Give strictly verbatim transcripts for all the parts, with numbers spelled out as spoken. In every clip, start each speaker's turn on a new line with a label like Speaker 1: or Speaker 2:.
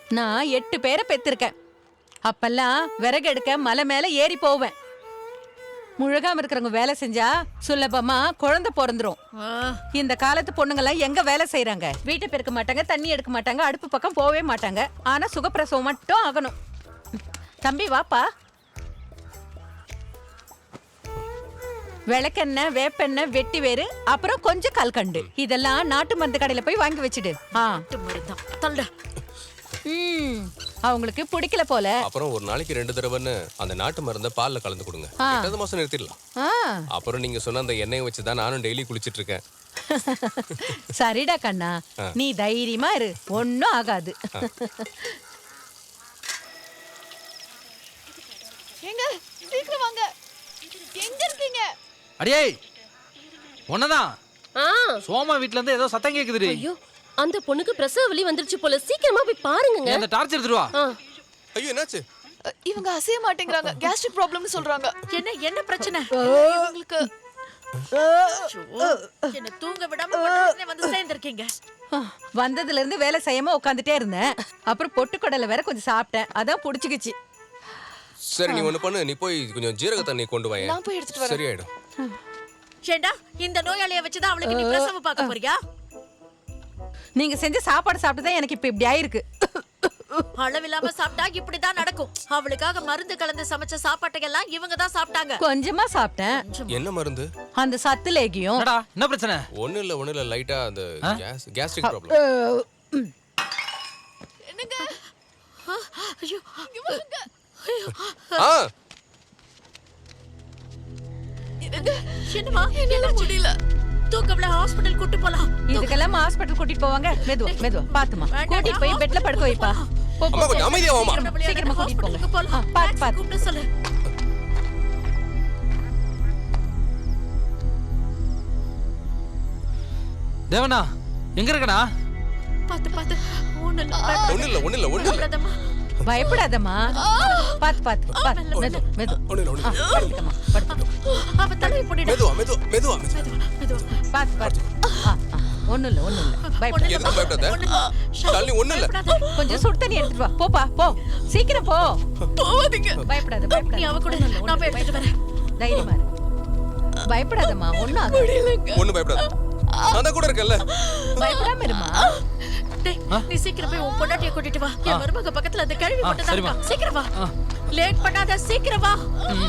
Speaker 1: நான் எட்டு பேரை பெத்திருக்கேன். அப்பெல்லாம் விறகு எடுக்க மலை மேல ஏறி போவேன். முழுகாம இருக்கிறவங்க வேலை செஞ்சா சுலபமா குழந்தை பிறந்துரும். இந்த காலத்து பொண்ணுங்கெல்லாம் எங்க வேலை செய்யறாங்க? வீட்டை பெருக்க மாட்டாங்க, தண்ணி எடுக்க மாட்டாங்க, அடுப்பு பக்கம் போவே மாட்டாங்க. ஆனா சுகப்பிரசவம் மட்டும் ஆகணும். தம்பி வாப்பா. விளக்கெண்ணெய், வேப்பெண்ணெய், வெட்டி வேறு, அப்புறம் கொஞ்சம் கல்கண்டு. இதெல்லாம் நாட்டு மருந்து கடையில போய் வாங்கி வச்சுடு. ம், அவங்களுக்கு பிடிக்கல போல.
Speaker 2: அப்புறம் ஒரு நாளைக்கு ரெண்டு தடவைன்னு அந்த நாட்டு மருந்தை பால்ல கலந்து கொடுங்க. எட்டாவது மாசம் நிறுத்திடலாம். அப்புறம் நீங்க சொன்ன அந்த எண்ணெயை வச்சுதான் நானும் டெய்லி குளிச்சிட்டு இருக்கேன்.
Speaker 1: சரிடா கண்ணா, நீ தைரியமா இரு, ஒன்னும் ஆகாது.
Speaker 3: எங்க சீக்கிரம் வாங்க. எங்க இருக்கீங்க?
Speaker 4: அடியே ஒன்னதான். சோமா வீட்ல இருந்து ஏதோ சத்தம் கேக்குதுடி.
Speaker 5: ஐயோ, அந்த பொண்ணுக்கு பிரசவ வலி வந்துருச்சு போல. சீக்கிரமா போய் பாருங்க.
Speaker 4: அந்த டார்ச் எடுத்துட்டு வா.
Speaker 2: ஐயோ என்னாச்சு?
Speaker 3: இவங்க அசைய மாட்டேங்கறாங்க. கேஸ்ட்ரிக் ப்ராப்ளம்னு சொல்றாங்க.
Speaker 6: என்ன என்ன பிரச்சனை?
Speaker 3: இவங்களுக்கு
Speaker 6: என்ன தூங்க விடாம பட்டனே வந்து சேர்ந்திருக்கீங்க.
Speaker 1: வந்ததுல இருந்து வேலை செய்யாம உட்காந்துட்டே இருந்தேன். அப்புறம் பொட்டுக்கடலை வேற கொஞ்சம் சாப்பிட்டேன், அதான் புடிச்சுக்கிச்சு.
Speaker 2: சரி நீ ஒண்ணு பண்ணு, நீ போய் கொஞ்சம் ஜீரக தண்ணி கொண்டு வா.
Speaker 3: நான் போய் எடுத்துட்டு வரேன்.
Speaker 2: சரியாயிடும்.
Speaker 6: ஏண்டா இந்த நோயாளியை வச்சுதான் அவளுக்கு நீ பிரசவம் பார்க்க போறியா?
Speaker 1: நீங்க செஞ்ச சாப்பாடு சாப்பிட்டுதான் எனக்கு இப்ப இப்படி ஆயிருக்கு.
Speaker 6: அளவில்லாம சாப்பிட்டா இப்படிதான் நடக்கும். அவளுக்காக மருந்து கலந்து சமைச்ச சாப்பாட்டை எல்லாம் இவங்க தான் சாப்பிட்டாங்க.
Speaker 1: கொஞ்சமா சாப்பிட்டேன்.
Speaker 2: என்ன மருந்து?
Speaker 1: அந்த சத்து லேகியம்.
Speaker 4: என்னடா என்ன பிரச்சனை?
Speaker 2: ஒண்ணு இல்ல ஒண்ணு இல்ல லைட்டா அந்த கேஸ் கேஸ்ட்ரிக் ப்ராப்ளம்.
Speaker 3: என்னங்க?
Speaker 6: ஐயோ
Speaker 2: ஆ
Speaker 3: என்னங்க?
Speaker 6: என்னமா?
Speaker 3: என்னால முடியல.
Speaker 6: தூக்கம்ல ஹாஸ்பிடல் கூட்டி போலாம்.
Speaker 1: இதுக்கெல்லாம் ஹாஸ்பிடல் கூட்டிட்டு போவாங்க. மெதுவா மெதுவா பாத்துமா கூட்டிட்டு போய் பெட்ல படுக்க வைப்பா. போ, போ.
Speaker 2: அம்மா கொஞ்சம் அமைதியா வாமா.
Speaker 1: சீக்கிரமா கூட்டிட்டு போங்க.
Speaker 6: போலாம்.
Speaker 1: பாத்து பாத்து
Speaker 6: கூப்பிட்டு சொல்லு.
Speaker 4: தேவனா எங்க இருக்கடா?
Speaker 6: பாத்து பாத்து. ஒண்ணு இல்ல.
Speaker 2: ஒண்ணு இல்ல ஒண்ணு இல்ல ஒண்ணு இல்ல.
Speaker 1: பயப்படாதம்மா. பாத்து பாத்து பாத்து மெது மெது.
Speaker 2: ஒண்ணு இல்ல ஒண்ணு இல்ல.
Speaker 1: படுத்துக்கமா படுத்து.
Speaker 6: அவ தலையை போடிடா.
Speaker 2: மெதுவா மெதுவா மெதுவா
Speaker 6: மெதுவா.
Speaker 1: பாத்து பாத்து. ஆ ஆ ஒண்ணு இல்ல ஒண்ணு இல்ல. பயப்படாத.
Speaker 2: எதுக்கு பயப்படாத? ஷாலினி ஒண்ணு இல்ல.
Speaker 1: கொஞ்சம் சுடு தண்ணி எடுத்துட்டு வா. போப்பா போ. சீக்கிரம் போ.
Speaker 3: போவாதீங்க.
Speaker 1: பயப்படாத
Speaker 6: நீ
Speaker 1: பயப்படாத.
Speaker 6: அவ கூட நான் போய் எடுத்துட்டு வரேன்.
Speaker 1: தைரியமா இரு. பயப்படாதம்மா, ஒண்ணும் ஆகாது.
Speaker 3: முடியலங்க.
Speaker 2: ஒண்ணு பயப்படாத. நான் கூட இருக்கேன்ல.
Speaker 1: பயப்படாம இருமா.
Speaker 6: டேய், நீ சீக்கிரம் போய் உன் பொண்டாட்டியை கூட்டிட்டு வா. என் மருமக பக்கத்துல அந்த கழுவி மட்டும் தான் இருக்கா. சீக்கிரம் வா. லேட் பண்ணாத, சீக்கிரம் வா.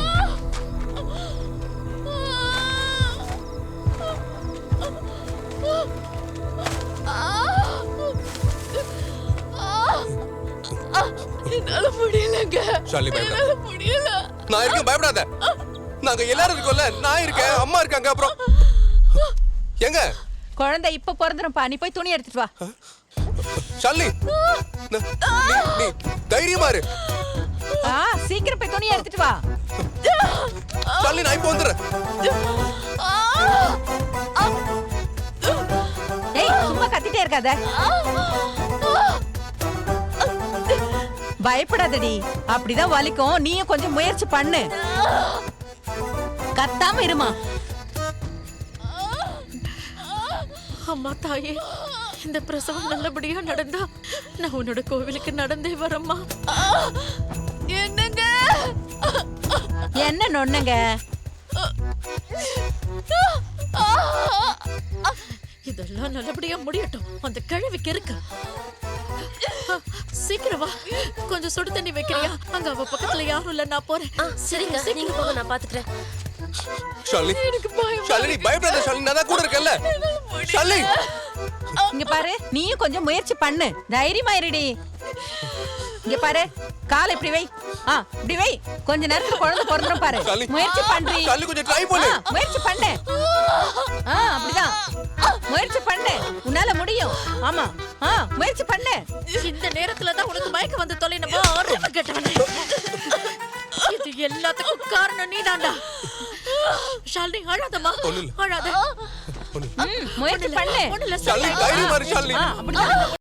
Speaker 3: என்னால முடியலங்க.
Speaker 2: ஷாலினி பயப்படாத.
Speaker 3: என்னால முடியல.
Speaker 2: நான் இருக்கேன், பயப்படாத. நாங்க எல்லாரும் இருக்கோம்ல. நான் இருக்கேன், அம்மா இருக்காங்க. அப்புறம் எங்க
Speaker 1: குழந்தை இப்ப பிறந்துரும்பா. நீ போய் துணி எடுத்துட்டு வா.
Speaker 2: ஷாலினி நீ நீ தைரியமா இரு.
Speaker 1: ஆ சீக்கிரம் போய் துணி எடுத்துட்டு வா.
Speaker 2: ஷாலினி நான் இப்போ வந்துடுறேன்.
Speaker 1: ஏய் சும்மா கத்திட்டே இருக்காத. பயப்படாதடி, அப்படிதான் வலிக்கும். நீயும் கொஞ்சம் முயற்சி பண்ணு. கத்தாம இருமா.
Speaker 6: அம்மா தாயே, இந்த பிரசவம் நல்லபடியா நடந்தா நான் உன்னோட கோவிலுக்கு நடந்தே வரேம்மா.
Speaker 3: என்னங்க?
Speaker 1: என்ன நொண்ணுங்க?
Speaker 6: இதெல்லாம் நல்லபடியா முடியட்டும். அந்த கிழவிக்கு இருக்கு. சீக்கிரம் வா. கொஞ்சம் சுடு தண்ணி வைக்கிறியா? அங்க அவ பக்கத்துல யாரும் இல்ல, நான் போறேன்.
Speaker 5: சரிங்க, நீங்க போங்க, நான் பாத்துக்கிறேன்.
Speaker 2: ஷாலினி ஷாலினி பயப்படாத. ஷாலினி நான் தான் கூட இருக்கேன்ல. ஷாலினி
Speaker 1: இங்க பாரு, நீயும் கொஞ்சம் முயற்சி பண்ணு. தைரியமா இருடி. இங்க பாரு, கால் இப்படி வை. ஆ இப்படி வை. கொஞ்ச நேரத்துல குழந்தை பிறந்துரும் பாரு. முயற்சி பண்றீ.
Speaker 2: ஷாலினி கொஞ்சம் ட்ரை பண்ணு.
Speaker 1: முயற்சி பண்ணு. ஆ அப்படிதான். முயற்சி பண்ணு, உன்னால முடியும். ஆமா ஆ முயற்சி பண்ணு.
Speaker 6: இந்த நேரத்துல தான் உனக்கு மயக்கம் வந்து தொலைனமா ஆரம்ப கேட்டவனே. இது எல்லாத்துக்கும் காரணம் நீதான்டா. ஷாலினி அழாதம்மா, அழாத.
Speaker 1: முயற்சி பண்ணு.
Speaker 6: ஒண்ணுல
Speaker 2: ஷாலினி தைரியமா இரு. ஷாலினி
Speaker 1: அப்படிதான்.